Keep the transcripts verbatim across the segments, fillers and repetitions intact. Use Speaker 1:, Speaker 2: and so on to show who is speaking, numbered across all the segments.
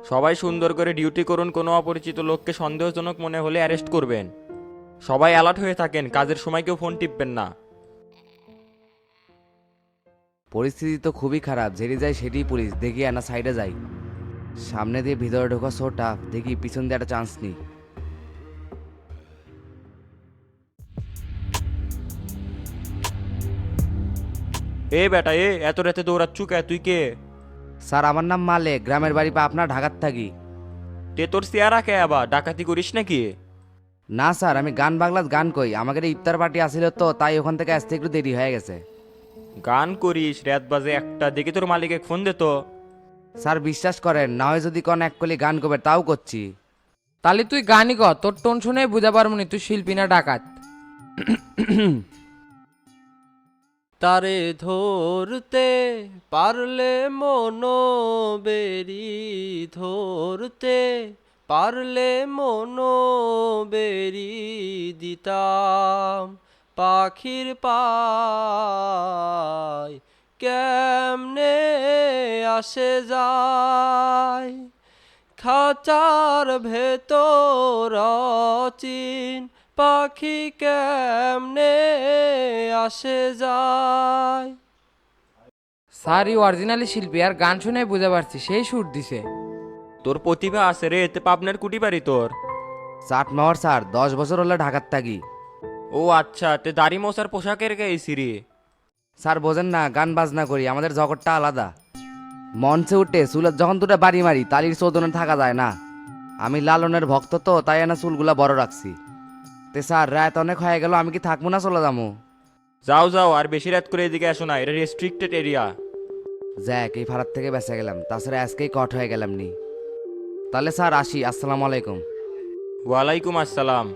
Speaker 1: সবাই সুন্দর করে ডিউটি করুন, কোনো অপরিচিত লোককে সন্দেহজনক মনে হলে অ্যারেস্ট করবেন। সবাই অ্যালার্ট হয়ে থাকেন, কাজের সময় কেউ ফোন টিপবেন না।
Speaker 2: পরিস্থিতি তো খুবই খারাপ, যেটি যায় সেটি পুলিশ, দেখি না সাইডে যাই। সামনে দিয়ে ভিতরে ঢোকা সো টাফ, দেখি পিছন দিয়ে একটা চান্স নিই।
Speaker 1: এ বেটা, এ এত রাতে দৌড়াচ্ছু কে? তুই কে?
Speaker 2: স্যার আমার নাম মালেক, গ্রামের বাড়ি পা আপনার ঢাকার থাকি।
Speaker 1: তে তোর চেয়ারা কে আবার ডাকাতি করিস নাকি?
Speaker 2: না স্যার, আমি গান বাংলাত গান কই, আমাদের ইফতার পার্টি আসিল তো তাই ওখান থেকে আসতে একটু দেরি হয়ে গেছে।
Speaker 1: গান করিস? রাত বাজে একটা, দেখি তোর মালিকে ফোন দে তো।
Speaker 2: স্যার বিশ্বাস করেন, না হয় যদি কোন এক কলি গান করবে তাও করছি।
Speaker 3: তাহলে তুই গানই কর, তোর টোন শুনে বুঝা পারবো নি তুই শিল্পী না ডাকাত।
Speaker 4: তারে ধরতে পারলে মনো বেরি, ধরতে পারলে মনো বেরি দিতাম পাখির পায় কেমনে আসে যায় খাঁচার ভেতর চিন পাখি কেমনে আসে যায়।
Speaker 3: স্যার ই অরিজিনালি শিল্পী, আর গান শুনে বুঝা পারছি সেই সুর দিছে।
Speaker 1: তোর প্রতিভা আছে রে, এতে পাবনার কুটি পারি তোর।
Speaker 2: চাট মাওয়ার স্যার, দশ বছর হলে ঢাকার থাকি।
Speaker 1: ও আচ্ছা, তে দাড়ি মশার পোশাকের গাইছি রে।
Speaker 2: স্যার বোঝেন না, গান বাজনা করি, আমাদের জগৎটা আলাদা। মঞ্চে উঠে চুলের যখন দুটো বাড়ি মারি তালির চোদনে থাকা যায় না। আমি লালনের ভক্ত তো তাই না চুলগুলা বড় রাখছি। তে স্যার রাত অনেক হয়ে গেল, আমি কি থাকবো না চলে যাবো?
Speaker 1: যাও যাও, আর বেশি রাত করে এদিকে আসো না, এটা রেস্ট্রিক্টেড এরিয়া।
Speaker 2: যাক এই ভাড়ার থেকে বেঁচে গেলাম, তাছাড়া আজকেই কট হয়ে গেলাম নি। তাহলে স্যার আসি, আসসালামু আলাইকুম।
Speaker 1: ওয়ালাইকুম আসসালাম।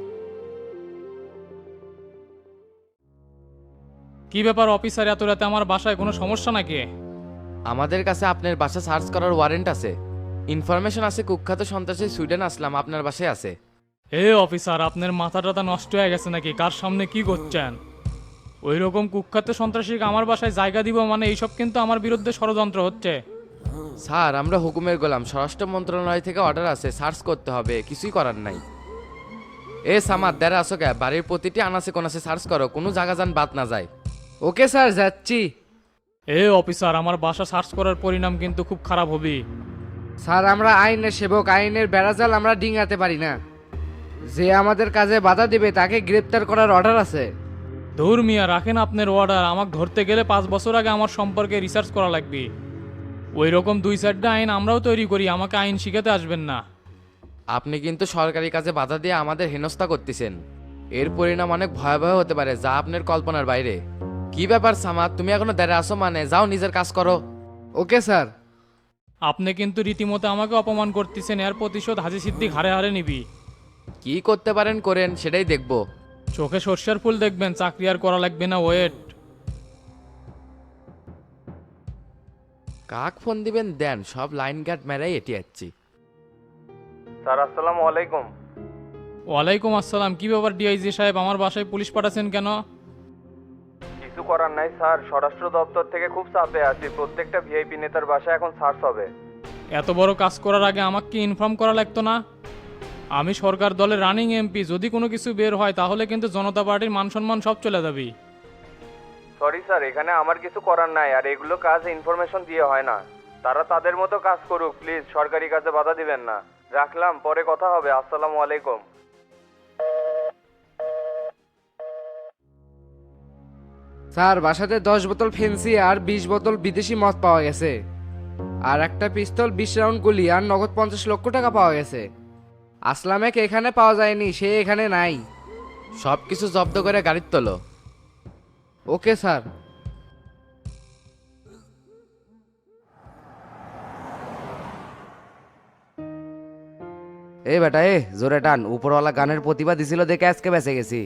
Speaker 5: কি ব্যাপার অফিসার, এত রাতে আমার বাসায় কোনো সমস্যা নাকি?
Speaker 6: আমাদের কাছে আপনার বাসা সার্চ করার ওয়ারেন্ট আছে। ইনফরমেশন আছে কুখ্যাত সন্ত্রাসী সুইডেন আসলাম আপনার বাসায় আছে।
Speaker 5: এ অফিসার, আপনার মাথা টাথা নষ্ট হয়ে গেছে নাকি? কার সামনে কি করছেন? ওই রকম কুখ্যাত সন্ত্রাসীকে আমার বাসায় জায়গা দিব মানে এইসব কিন্তু আমার বিরুদ্ধে ষড়যন্ত্র হচ্ছে।
Speaker 6: স্যার আমরা হুকুমের গোলাম, স্বরাষ্ট্র মন্ত্রণালয় থেকে অর্ডার আছে, সার্চ করতে হবে, কিছুই করার নাই। এ সামাদ দেড় আসো কে, বাড়ির প্রতিটি আনাচে কোনাচে সার্চ করো, কোনো জায়গা যান বাদ না যায়।
Speaker 3: ওকে স্যার, যাচ্ছি।
Speaker 5: এ অফিসার, আমার বাসা সার্চ করার পরিণাম কিন্তু খুব খারাপ হবে।
Speaker 3: স্যার আমরা আইনের সেবক, আইনের বেড়াজাল আমরা ডিঙাতে পারি না। যে আমাদের কাজে বাধা দিবে তাকে গ্রেপ্তার করার অর্ডার আছে।
Speaker 5: ধুর মিয়া, রাখেন আপনার অর্ডার, আমাকে ধরতে গেলে পাঁচ বছর আগে আমার সম্পর্কে রিসার্চ করা লাগবে। ওই রকম দুই চারটা আইন আমরাও তৈরি করি, আমাকে আইন শিখাতে আসবেন না।
Speaker 6: আপনি কিন্তু সরকারি কাজে বাধা দিয়ে আমাদের হেনস্থা করতেছেন। এর পরিণাম অনেক ভয়াবহ হতে পারে, যা আপনার কল্পনার বাইরে। কি ব্যাপার সামাদ, তুমি এখনো দেড়ে আসো মানে? যাও নিজের কাজ করো।
Speaker 3: Okay sir.
Speaker 5: আপনি কিন্তু রীতিমতো আমাকে অপমান করতেছেন, এর প্রতিশোধ হাজি সিদ্দিক হারে হারে নিবি।
Speaker 6: কি করতে পারেন করেন, সেটাই দেখবো।
Speaker 5: চোখে সর্ষের ফুল দেখবেন, চাকরি আর করা লাগবে না, ওয়েট।
Speaker 6: কাক ফোন দিবেন দেন, সব লাইন গার্ড মেরাই এটি যাচ্ছি।
Speaker 1: স্যার আসসালামু আলাইকুম।
Speaker 5: ওয়ালাইকুম আসসালাম। কি ব্যাপার ডিআইজি সাহেব, আমার বাসায় পুলিশ পাঠাচ্ছেন কেন?
Speaker 1: কিছু করার নাই স্যার, স্বরাষ্ট্র দপ্তর থেকে খুব চাপে আছি, প্রত্যেকটা ভিআইপি নেতার বাসায় এখন সার্চ হবে।
Speaker 5: এত বড় কাজ করার আগে আমাকে কি ইনফর্ম করা লাগতো না? আমি সরকার দলের রানিং এমপি, যদি কোনো কিছু বের হয় তাহলে কিন্তু জনতা পার্টির মান সম্মান সব চলে যাবে।
Speaker 1: সরি স্যার, এখানে আমার কিছু করার নাই, আর এগুলো কাজ ইনফরমেশন দিয়ে হয় না। তারা তাদের মতো কাজ করুক, প্লিজ সরকারি কাজে বাধা দিবেন না। রাখলাম, পরে কথা হবে। আসসালামু আলাইকুম।
Speaker 3: স্যার বাসাতে দশ বোতল ফেন্সি আর বিশ বোতল বিদেশি মদ পাওয়া গেছে, আর একটা পিস্তল, বিশ রাউন্ড গুলি আর নগদ পঞ্চাশ লক্ষ টাকা পাওয়া গেছে। আসলামেকে এখানে পাওয়া যায়নি, সে এখানে নাই।
Speaker 6: সব কিছু জব্দ করে গাড়ির তোলো।
Speaker 3: Okay sir.
Speaker 2: এই বেটা এ জোরে টান, উপরওয়ালা গানের প্রতিভা দিছিল দেখে আজকে বেঁচে গেছি।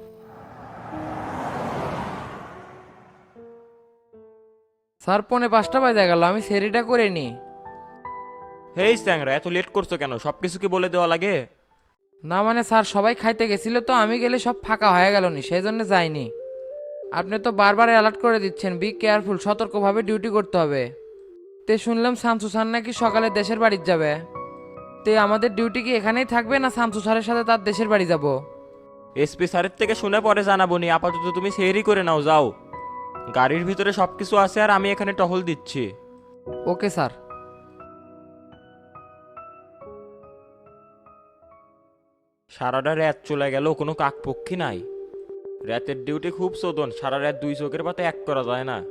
Speaker 3: স্যার পৌনে পাঁচটা বাজে গেল, আমি সেরিটা করে নি।
Speaker 1: হেই স্যাংরা, এত লেট করছো কেন? সব কিছু কি বলে দেওয়া লাগে?
Speaker 3: না মানে স্যার সবাই খাইতে গেছিল তো, আমি গেলে সব ফাঁকা হয়ে গেল নি, সেই জন্য যাইনি। আপনি তো বারবার অ্যালার্ট করে দিচ্ছেন, বি কেয়ারফুল, সতর্কভাবে ডিউটি করতে হবে। তে শুনলাম শামসু স্যার নাকি সকালে দেশের বাড়ি যাবে। তে আমাদের ডিউটি কি এখানেই থাকবে না শামসু স্যারের সাথে তার দেশের বাড়ি যাব?
Speaker 7: এসপি স্যারের থেকে শুনে পরে জানাবো নি, আপাতত তুমি সেহরি করে নাও, যাও। গাড়ির ভিতরে সব কিছু আছে আর আমি এখানে টহল দিচ্ছি।
Speaker 3: Okay sir.
Speaker 7: সারাটা রাত চলে গেল, কোনো কাকপক্ষী নাই। রাতের ডিউটি খুব শোধন, সারা রাত দুই চোখের পাতে এক করা যায় না।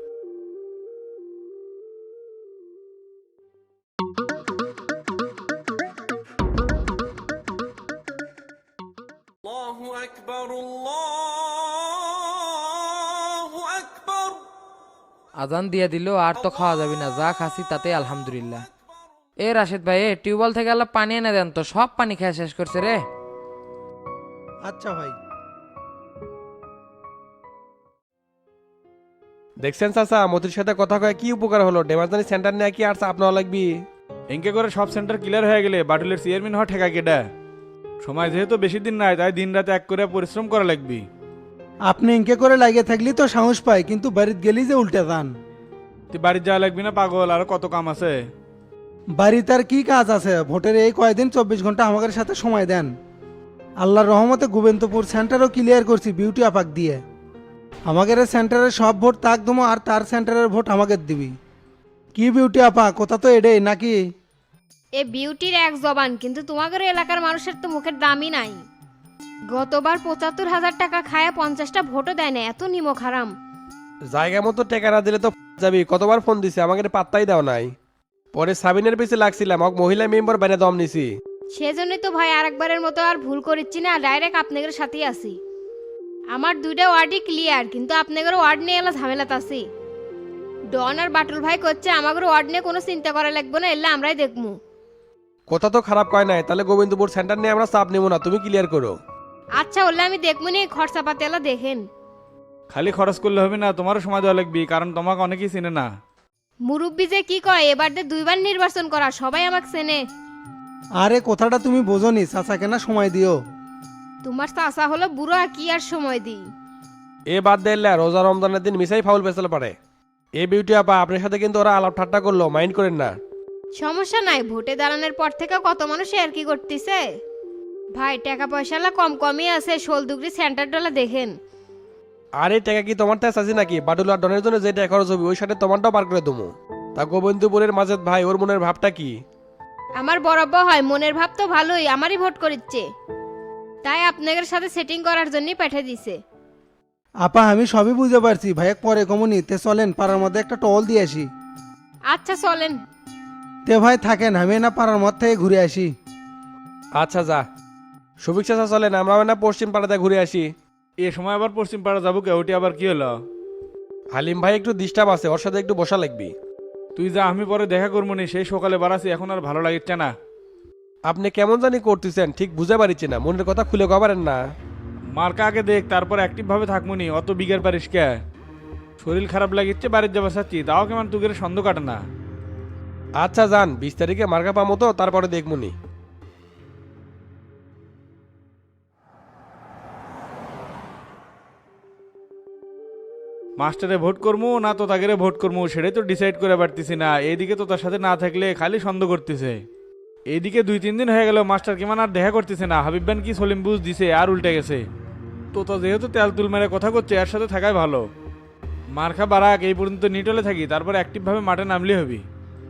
Speaker 3: আজান দিয়ে দিল আর তো খাওয়া যাবে না, যা খাসি তাতে আলহামদুলিল্লাহ। এ রাশেদ ভাই, এ টিউবওয়েল থেকে আল্লাহ পানি এনে দেন তো, সব পানি খেয়ে শেষ করছে রে।
Speaker 8: আচ্ছা ভাই।
Speaker 9: দেখছেন চাচা, মতির সাথে কথা কয়ে কি উপকার হলো? ডেমারজানি সেন্টার নিয়ে কি আর চাপ নেওয়া লাগবি?
Speaker 10: এনকে করে সব সেন্টার ক্লিয়ার হয়ে গেলে বাটুলের চেয়ারম্যান হওয়া ঠেকা কেডা? সময় যেহেতু বেশি দিন নাই, তাই দিন রাতে এক করে পরিশ্রম করা লাগবি।
Speaker 8: আপনি ইনকে করে লাগিয়ে থাকলি তো সাহস পাই, কিন্তু বাড়িতে গেলি যে উল্টে যান।
Speaker 10: তুই বাড়ি যাওয়া লাগবি না পাগল, আর কত কাম আছে।
Speaker 8: বাড়িতে আর কি কাজ আছে? ভোটের এই কয়দিন চব্বিশ ঘন্টা আমাদের সাথে সময় দেন। আল্লাহর রহমতে গোবিন্দপুর সেন্টারও ক্লিয়ার করছি বিউটি আপাক দিয়ে। আমাদের সেন্টারের সব ভোট তাক দমো আর তার সেন্টারের ভোট আমাকে দিবি। কি বিউটি আপা, কথা তো এডেই নাকি?
Speaker 11: এ বিউটির এক জবান, কিন্তু তোমাদের এলাকার মানুষের তো মুখের দামই নাই। গতবার পঁচাত্তর হাজার টাকা খায় পঞ্চাশটা ভোটও দেয় না, এত নিমক হারাম।
Speaker 9: জায়গা মতো টেকা না দিলে তো যাবি। কতবার ফোন দিছি, আমাকে পাত্তাই দাও নাই। পরে সাবিনের পিছে লাগছিলাম, ok মহিলা মেম্বার বাইরে দম নিছি।
Speaker 11: সেজন্যই তো ভাই আরেকবারের মতো আর ভুল করিচ্ছি না, ডাইরেক্ট আপনাদের সাথেই আছি। আমার দুইটা ওয়ার্ডই ক্লিয়ার, কিন্তু আপনাদের ওয়ার্ড নিয়ে এলা ঝামেলাতে আছি। ডন আর বাটুল ভাই করছে আমাদের ওয়ার্ড নিয়ে কোনো চিন্তা করা লাগবে না, এলে আমরাই দেখবো।
Speaker 9: কথা তো খারাপ কয় নাই, তাহলে গোবিন্দপুর সেন্টার নিয়ে আমরা চাপ নেবো না, তুমি ক্লিয়ার করো।
Speaker 11: আচ্ছা ওলে আমি দেখবো নি, খরচাপাতি এলা দেখেন।
Speaker 10: খালি খরচ করলে হবে না, তোমারও সময় দেওয়া লাগবি, কারণ তোমাকে অনেকেই চিনে না।
Speaker 11: মুরব্বি যে কি কয়, এবার দিয়ে দুইবার নির্বাচন করা, সবাই আমাকে চেনে।
Speaker 8: আরে কথাটা তুমি বোঝনি, চাচাকে না সময় দিও।
Speaker 11: তোমার চাচা হলো বুড়ো, আর কি আর সময় দিই।
Speaker 9: এ বাদ দিলে রোজা রমজানের দিন মিসাই ফাউল পেছাল পারে। এই বিউটি আপা, আপনার সাথে কিন্তু ওরা আলাপ ঠাট্টা করলো, মাইন্ড করেন না।
Speaker 11: সমস্যা নাই, ভোটে দাঁড়ানোর পর থেকে কত মানুষ আর কি করতেছে। ভাই টাকা পয়সালা কম কমই আছে, শোল দুগরি সেন্টার ডলা দেখেন।
Speaker 9: আর এই টাকা কি তোমার তাই চাচ্ছি নাকি? বাটুল আর ডনের জন্য যে টাকা খরচ হবে ওই সাথে তোমারটাও পার করে দেবো। তা গোবিন্দপুরের মাজেদ ভাই, ওর মনের ভাবটা কি?
Speaker 11: আমার বরাব্ব হয়, মনের ভাব তো ভালোই, আমারই ভোট করিচ্ছে, তাই আপনাদের সাথে সেটিং করার জন্যই পাঠিয়ে দিছে।
Speaker 8: আপা আমি সবই বুঝতে পারছি, ভাইয়া পরে কমনি। তে চলেন পাড়ার মধ্যে একটা টল দিয়ে আসি।
Speaker 11: আচ্ছা চলেন।
Speaker 8: তে ভাই থাকেন, আমি না পাড়ার মধ্যে থেকে ঘুরে আসি।
Speaker 9: আচ্ছা যা। সুভিক চাচা চলেন, আমরাও না পশ্চিম পাড়াতে ঘুরে আসি।
Speaker 10: এ সময় আবার পশ্চিম পাড়া যাবো কে? ওটি আবার কি হলো?
Speaker 9: হালিম ভাই একটু ডিস্টার্ব আছে, ওর সাথে একটু বসা লাগবি।
Speaker 10: তুই যা, আমি পরে দেখা করবো নি, সেই সকালে বাড়াছি, এখন আর ভালো লাগিচ্ছে না।
Speaker 9: আপনি কেমন জানি করতেছেন, ঠিক বুঝে পারিচ্ছি না, মনের কথা খুলে কবারেন না।
Speaker 10: মার্কা আগে দেখ, তারপর অ্যাক্টিভ ভাবে থাকবো নি, অত বিঘের পারিস কে? শরীর খারাপ লাগিচ্ছে, বাড়ির যাবার চাচ্ছি, তাও কেমন তুগের সন্দেহ কাটে না।
Speaker 9: আচ্ছা যান, বিশ তারিখে মার্কা পামো তো, তারপরে দেখবনি।
Speaker 10: মাস্টারে ভোট করবো না তো তাকে ভোট করবো, সেটাই তো ডিসাইড করে পারতেছি না। এইদিকে তো তার সাথে না থাকলে খালি সন্দেহ করতেছে। এইদিকে দুই তিন দিন হয়ে গেল মাস্টার কেমন আর দেখা করতেছে না। হাবিব বান কি সলিম বুঝ দিছে, আর উল্টে গেছে। তো তা যেহেতু তেল তুল মেরে কথা করছে, এর সাথে থাকাই ভালো। মার্কা বারাক এই পর্যন্ত নিটলে থাকি, তারপর অ্যাক্টিভভাবে মাঠে নামলে হবি।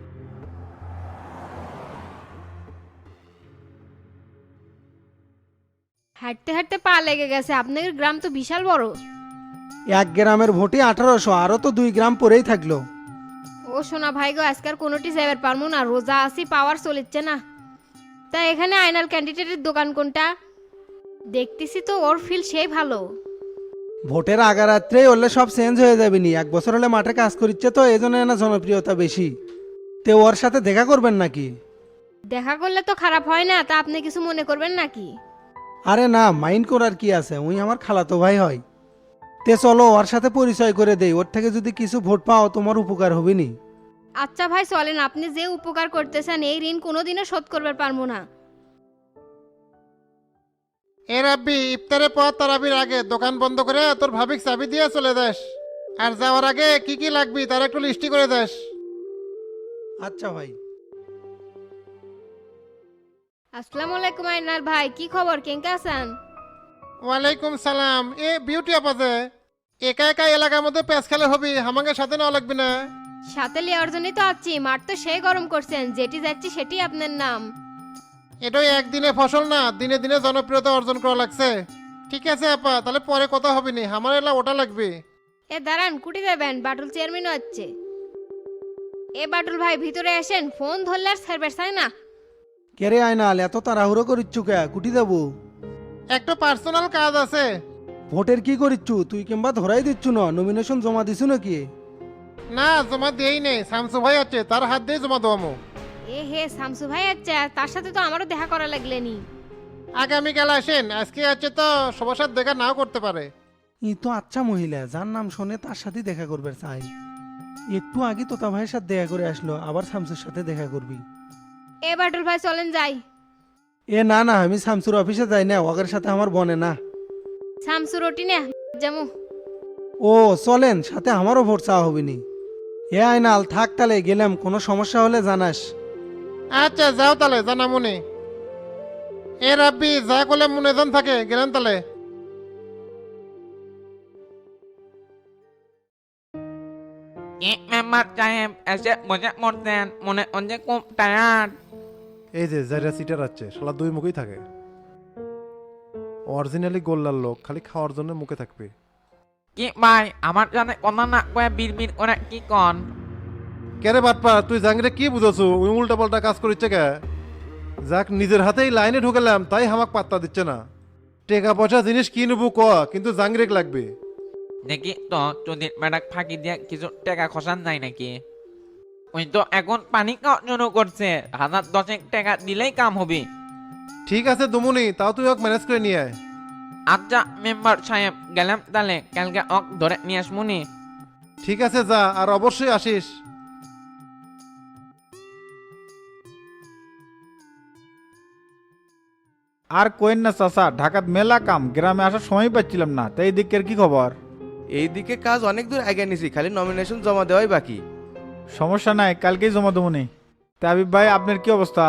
Speaker 11: হাঁটতে হাঁটতে পা লেগে গেছে, আপনাদের গ্রাম তো বিশাল বড়।
Speaker 8: এক গ্রামের ভোটে আঠারোশো, আরও তো দুই গ্রাম পরেই থাকলো।
Speaker 11: ও সোনা ভাই গো, আজকাল কোনোটি যাবার পারবো না, রোজা আসি, পাওয়ার চলিচ্ছে না। তা এখানে আইনাল ক্যান্ডিডেটের দোকান কোনটা? দেখতেছি তো ওর ফিল সেই ভালো।
Speaker 8: ভোটের আগা রাত্রেই হলে সব চেঞ্জ হয়ে যাবে নি, এক বছর হলে মাঠে কাজ করিচ্ছে তো, এই জন্য না জনপ্রিয়তা বেশি। তে ওর সাথে দেখা করবেন নাকি?
Speaker 11: দেখা করলে তো খারাপ হয় না, তা আপনি কিছু মনে করবেন নাকি?
Speaker 8: আরে না, মাইন্ড করার কি আছে, উনি আমার খালাতো ভাই হয়। তে চলো ওর সাথে পরিচয় করে দেই, ওর থেকে যদি কিছু ভোট পাও তোমার উপকার হবে নি।
Speaker 11: আচ্ছা ভাই চলেন, আপনি যে উপকার করতেছেন এই ঋণ কোনোদিনও শোধ করবার পারবো না।
Speaker 12: এ রাব্বি, ইফতারের পর তারাবির আগে দোকান বন্ধ করে তোর ভাবিক চাবি দিয়ে চলে যাস। আর যাওয়ার আগে কি কি লাগবি তার একটু লিস্টি করে দেস।
Speaker 8: আচ্ছা ভাই।
Speaker 11: আসসালামু আলাইকুম আইনাল ভাই, কি খবর, কেঙ্কা আছেন?
Speaker 12: ওয়ালাইকুম সালাম। এ বিউটি আপাজে একা একা এলাকার মধ্যে প্যাঁচ খেলে হবি, আমাকে সাথে নেওয়া লাগবে না?
Speaker 11: সাথে লিয়ার জন্যই তো আছি, মাঠ তো সেই গরম করছেন, যেটি যাচ্ছি সেটি আপনার নাম।
Speaker 12: এটাই একদিনে ফসল না, দিনে দিনে জনপ্রিয়তা অর্জন করা লাগছে। ঠিক আছে আপা, তাহলে পরে কথা হবে নি, আমার এলা ওটা লাগবে।
Speaker 11: এ দাঁড়ান, কুটি যাবেন, বাটুল চেয়ারম্যানও আছে। এ বাটুল ভাই ভিতরে আসেন, ফোন ধরলে আর সার্ভিস হয় না।
Speaker 8: কে রে আয়নাল, এত তাড়াহুড়ো করিচ্ছু কে? কুটি দেবো?
Speaker 12: একটা পার্সোনাল কাজ আছে।
Speaker 8: ভোটের কি করিচ্ছু তুই, কিংবা ধরাই দিচ্ছু না? নমিনেশন জমা দিছু নাকি?
Speaker 12: না জমা দিয়েই নেই, শামসু ভাই আছে, তার হাত দিয়ে জমা দেবো।
Speaker 11: এ হে, শামসু ভাই আছে, তার সাথে তো আমারও দেখা করা লাগলেনি।
Speaker 12: আগামীকাল আসেন, আজকে আছে তো সবার সাথে দেখা নাও করতে পারে।
Speaker 8: ই তো আচ্ছা মহিলা, যার নাম শোনে তার সাথে দেখা করবে চাই। একটু আগে তোতা ভাইয়ের সাথে দেখা করে আসলো, আবার শামসুর সাথে দেখা করবি?
Speaker 11: এ বাটুল ভাই চলেন যাই।
Speaker 8: এ না না, আমি শামসুর অফিসে যাই না, ওদের সাথে আমার বনে না।
Speaker 11: শামসু রুটি না জামু।
Speaker 8: ও চলেন, সাথে আমারও ভোট চাওয়া হবে নি। এ আয়নাল থাক, তাহলে গেলাম, কোনো সমস্যা হলে জানাস।
Speaker 12: আচ্ছা যাও তাহলে, জানা মনে। এ রাব্বি যা করলে মনে জন থাকে, গেলেন তাহলে।
Speaker 6: মেম্বার সাহেব এসে বসে পড়তেন, মনে হচ্ছে খুব টায়ার্ড।
Speaker 13: এই যে যারা সিটার আছে শালা দুই মুখেই থাকে, অরিজিনালি গোল্লার লোক, খালি খাওয়ার জন্য মুখে থাকবে।
Speaker 6: কি ভাই, আমার জানে কথা না কয়ে বিড় বিড় করে কি কন?
Speaker 13: কেরে বাটপা, তুই জাঙ্গিরে কি বুঝাছো? ওই উল্টা পাল্টা কাজ করিচ্ছে কে? যাক নিজের হাতেই লাইনে ঢুকেলাম, তাই হামাক পাত্তা দিচ্ছে না। টাকা পয়সা জিনিস কি নেবো ক, কিন্তু জাঙ্গিরেক লাগবে।
Speaker 6: দেখি তো চোদ্দের বেড়াক ফাঁকি দিয়ে কিছু টাকা খসান যায় নাকি? ওই তো এখন পানি খাওয়ার জন্য করছে, হাজার দশেক টাকা দিলেই কাম হবে।
Speaker 13: ঠিক আছে দুমুনি, তাও তুই ওকে ম্যানেজ করে নিয়ে আয়।
Speaker 6: আচ্ছা মেম্বার সাহেব, গেলাম তাহলে, কালকে অক ধরে নিয়ে আসমুনি।
Speaker 13: ঠিক আছে যা, আর অবশ্যই আসিস।
Speaker 10: আর কোয়েন না চাচা, ঢাকাত মেলা কাম, গ্রামে আসার সময় পাচ্ছিলাম না, তাই এই দিকের কি খবর?
Speaker 2: এইদিকে কাজ অনেক দূর আগে নিছি, খালি নমিনেশন জমা দেওয়াই বাকি।
Speaker 10: সমস্যা নাই, কালকেই জমা দেবো নি। তা আবিব ভাই, আপনার কি অবস্থা?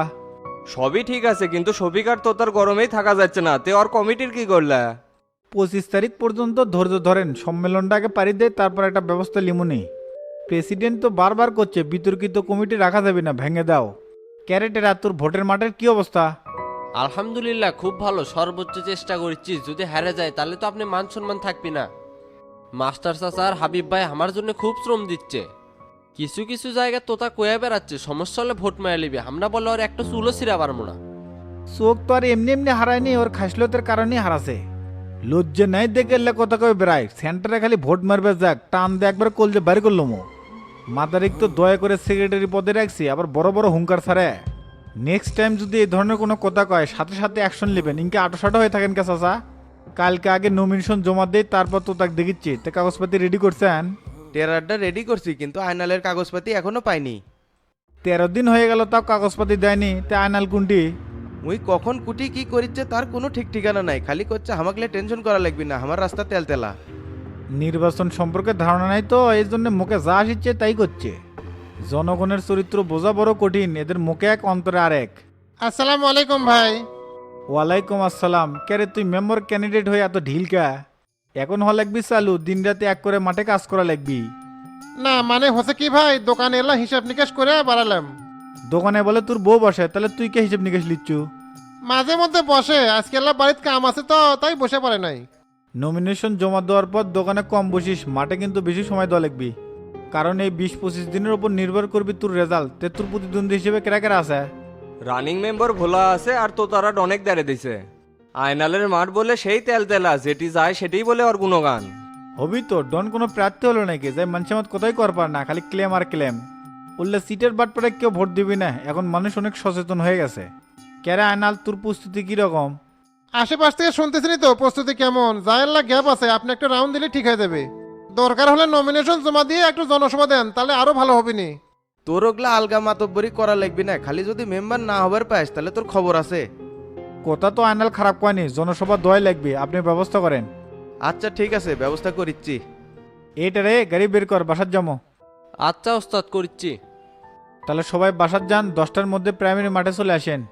Speaker 1: সবই ঠিক আছে, কিন্তু শফিকার তো তার গরমেই থাকা যাচ্ছে না, তে ওর কমিটির কি করলা?
Speaker 10: পঁচিশ তারিখ পর্যন্ত ধৈর্য ধরেন, সম্মেলনটাকে পারি দেয়, তারপর একটা ব্যবস্থা লিমুনি। প্রেসিডেন্ট তো বারবার করছে বিতর্কিত কমিটি রাখা যাবে না, ভেঙে দাও। ক্যারেটের আর তোর ভোটের মাঠের কি অবস্থা?
Speaker 4: আলহামদুলিল্লাহ খুব ভালো, সর্বোচ্চ চেষ্টা করছি, যদি হারে যায় তাহলে তো আপনি মান সম্মান থাকবি না। মাস্টার চাচা আর হাবিব ভাই আমার জন্য খুব শ্রম দিচ্ছে, কিছু কিছু জায়গায় তোতা কয়ে বেড়াচ্ছে, সমস্যা হলে ভোট মেরে নিবি, আমরা বলে ওর একটা চুলো ছিঁড়া পারবো না।
Speaker 10: চোখ তো আর এমনি এমনি হারায়নি, ওর খাসলতের কারণেই হারাছে। লজ্জা নাই দেখে এলে কথা কয়ে বেড়ায়, সেন্টারে খালি ভোট মারবে যাক, টান দিয়ে একবার কলজে বাড়ি করলো মো। মাদারিক তো দয়া করে সেক্রেটারি পদে রাখছি, আবার বড় বড় হুঙ্কার ছাড়ে। নেক্সট টাইম যদি এই ধরনের কোনো কথা কয়, সাথে সাথে অ্যাকশন নেবেন। ইনকে আটোসাটো হয়ে থাকেন কে চাচা? কালকে আগে নমিনেশন জমা দেই, তারপর তো তাকে দেখিচ্ছি। তে কাগজপাতি রেডি করছেন?
Speaker 2: টেরারটা রেডি করছি, কিন্তু আয়নালের কাগজপাতি এখনো পাইনি।
Speaker 10: তেরো দিন হয়ে গেল, তাও কাগজপাতি দেয়নি। তে আয়নাল কোনটি?
Speaker 2: মুই কখন কুটি কি করিচ্ছে তার কোনো ঠিক ঠিকানা নাই, খালি করছে হামাকলে টেনশন করা লাগবে না, আমার রাস্তা তেলতেলা।
Speaker 10: নির্বাচন সম্পর্কে ধারণা নাই তো, এই জন্য মুখে যা আসছে তাই করছে। জনগণের চরিত্র বোঝা বড় কঠিন, এদের মুখে এক অন্তরে আরেক।
Speaker 12: আসসালামু আলাইকুম ভাই।
Speaker 10: ওয়ালাইকুম আসসালাম। কেরে তুই মেম্বার ক্যান্ডিডেট হয়ে এত ঢিলকা? এখন হওয়া লাগবি চালু, দিন রাতে এক করে মাঠে কাজ করা লাগবি।
Speaker 12: না মানে হচ্ছে কি ভাই, দোকানে এলা হিসাব নিকাশ করে বাড়ালাম।
Speaker 10: দোকানে বলে তোর বউ বসে, তাহলে তুই কে হিসেব নিকেশ লিচ্ছু?
Speaker 12: মাঝে মধ্যে বসে, আজকে এলা বাড়িতে কাম আছে তো তাই বসে পারে নাই।
Speaker 10: নমিনেশন জমা দেওয়ার পর দোকানে কম বসিস, মাঠে কিন্তু বেশি সময় দেওয়া লাগবি, কারণ এই বিশ পঁচিশ দিনের উপর নির্ভর করবি তোর রেজাল্ট। তে তোর প্রতিদ্বন্দ্বী হিসেবে কেরা কেরা আছে?
Speaker 1: রানিং মেম্বার ভোলা আছে, আর তো তারা অনেক দাঁড়ে দিছে। আয়নালের মাঠ বলে সেই তেল তেলা, যেটি যায় সেটাই বলে ওর গুণগান।
Speaker 10: হবি তো, ডন কোনো প্রার্থী হলো নাকি যাই মানুষের মত কোথায় কর পার না, খালি ক্লেম আর ক্লেম। বললে সিটের বাট পরে কেউ ভোট দিবি না, এখন মানুষ অনেক সচেতন হয়ে গেছে। কেরা আয়নাল, তোর প্রস্তুতি কিরকম?
Speaker 12: আশেপাশ থেকে শুনতেছিনি তো প্রস্তুতি কেমন, যাইল্লা গ্যাপ আছে, আপনি একটা রাউন্ড দিলে ঠিক হয়ে যাবে। দরকার হলে নমিনেশন জমা দিয়ে একটু জনসভা দেন, তাহলে আরো ভালো হবে নি।
Speaker 2: তোর ওগুলা আলগা মাতব্বরি করা লাগবি না, খালি যদি মেম্বার না হবার পাস তাহলে তোর খবর আছে।
Speaker 10: কথা তো আয়নাল খারাপ কয়নি, জনসভা দয় লাগবে, আপনি ব্যবস্থা করেন।
Speaker 2: আচ্ছা ঠিক আছে, ব্যবস্থা করিচ্ছি।
Speaker 10: এইটা রে, গাড়ি বের কর, বাসার যাবো।
Speaker 4: আচ্ছা ওস্তাদ করছি।
Speaker 10: তাহলে সবাই বাসার যান, দশটার মধ্যে প্রাইমারি মাঠে চলে আসেন।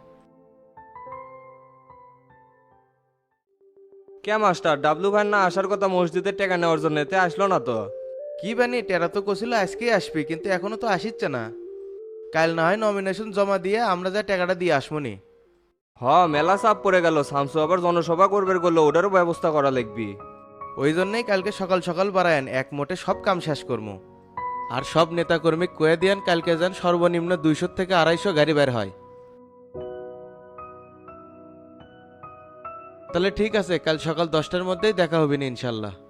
Speaker 1: কে মাস্টার ডাবলু ভাই না আসার কথা মসজিদের টাকা নেওয়ার জন্য, এতে আসলো না তো?
Speaker 14: কি বানি টেরা তো কছিল আজকেই আসবি, কিন্তু এখনো তো আসিচ্ছে না। কাল না হয় নমিনেশন জমা দিয়ে আমরা যা টাকাটা দিয়ে আসমনি।
Speaker 1: হ মেলা চাপ পড়ে গেল, শামসু আবার জনসভা করবে বললো, ওটারও ব্যবস্থা করা লাগবি।
Speaker 14: ওই জন্যই কালকে সকাল সকাল বাড়ায়েন, এক মোটে সব কাম শেষ করবো। আর সব নেতাকর্মী কয়ে দিয়ান কালকে যান সর্বনিম্ন দুইশো থেকে আড়াইশো গাড়ি বের হয়। তাহলে ঠিক আছে, কাল সকাল দশটার মধ্যেই দেখা হবে না ইনশাল্লাহ।